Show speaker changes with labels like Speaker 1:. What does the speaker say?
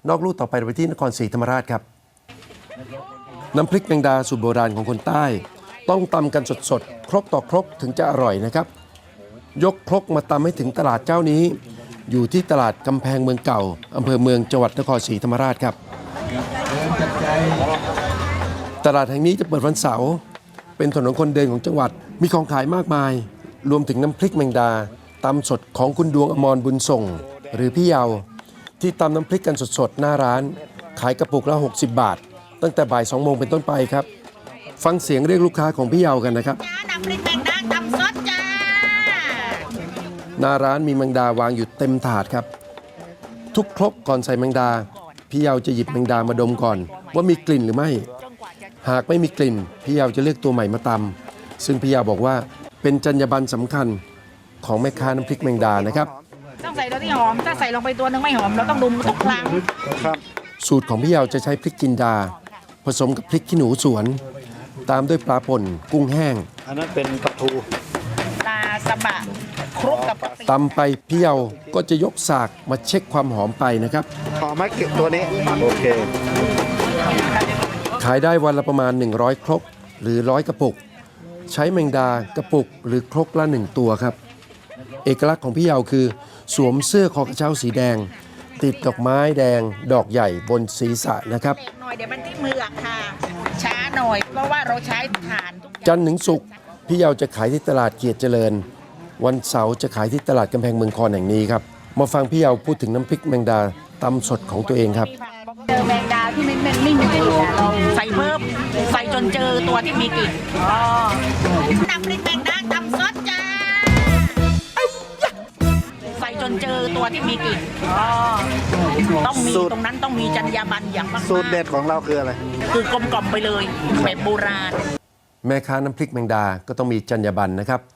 Speaker 1: นอกลู่ต่อไปไปที่นครศรีธรรมราชครับน้ำพริกแมงดาสูตรโบราณของคนใต้ต้องตำกันสดๆครกต่อครกถึงจะอร่อยนะครับยกครกมาตำให้ถึงตลาดเจ้านี้อยู่ที่ตลาดกำแพงเมืองเก่าอำเภอเมืองจังหวัดนครศรีธรรมราชครับตลาดแห่งนี้จะเปิดวันเสาร์เป็นถนนคนเดินของจังหวัดมีของขายมากมายรวมถึงน้ำพริกแมงดาตำสดของคุณดวงอมรบุญส่งหรือพี่เยาที่ตำน้ำพริกกันสดๆหน้าร้านขายกระปุกละ60 บาทตั้งแต่บ่าย 2 โมงเป็นต้นไปครับฟังเสียงเรียกลูกค้าของพี่เยากันนะครับ
Speaker 2: น้ำพริกแมงดาตำสดจ้า
Speaker 1: หน้าร้านมีแมงดาวางอยู่เต็มถาดครับทุกครกก่อนใส่แมงดาพี่เยาจะหยิบแมงดามาดมก่อนว่ามีกลิ่นหรือไม่หากไม่มีกลิ่นพี่เยาจะเลือกตัวใหม่มาตำซึ่งพี่เยาบอกว่าเป็นจรรยาบรรณสำคัญของแม่ค้าน้ำพริกแมงดานะครับ
Speaker 2: ต้องใส่ตัวที่หอมถ้าใส่ลงไปตัวนึงไม่หอมเราต้องดุมทุกครั้ง
Speaker 1: สูตรของพี่เยาจะใช้พริกจินดาผสมกับพริกขี้หนูสวนตามด้วยปลาป่นกุ้งแห้ง
Speaker 3: อันนั้นเป็นปลาทู
Speaker 2: ปลาสบะคลุกกับ
Speaker 1: ตำไปพี่เยาก็จะยกสากมาเช็คความหอมไปนะครับ
Speaker 3: หอมไหมเก็บตัวนี้โอเค
Speaker 1: ขายได้วันละประมาณ100ครกหรือ100กระปุกใช้แมงดากระปุกหรือครกละ1ตัวครับเอกลักษณ์ของพี่เยาคือสวมเสื้อคอกระเช้าสีแดงติดดอกไม้แดงดอกใหญ่บนศีรษะนะครับ
Speaker 2: หน่อยเดี๋ยวมันที่มือค่ะช้าหน่อยเพราะว่าเราใช้ถ่านทุก
Speaker 1: จันทร์ถึงศุกร์พี่เยาจะขายที่ตลาดเกียรติเจริญวันเสาร์จะขายที่ตลาดกำแพงเมืองคอนแห่งนี้ครับมาฟังพี่เยาพูดถึงน้ำพริกแมงดาตำสดของตัวเองครับ
Speaker 2: เจอแมงดาที่ไม่มีกลิ่นเราใส่เพิ่มใส่จนเจอตัวที่มีกลิ่นน้ำพริกแมงดาตำสดจ้าใส่จนเจอตัวที่มีกลิ่นต้องมีตรงนั้นต้องมีจรรยาบรรณอย่างมาก
Speaker 3: สูตรเด็ดของเราคืออะไร
Speaker 2: คือกลมกล่อมไปเลยแบบโบราณ
Speaker 1: แม่ค้าน้ำพริกแมงดาก็ต้องมีจรรยาบรรณนะครับ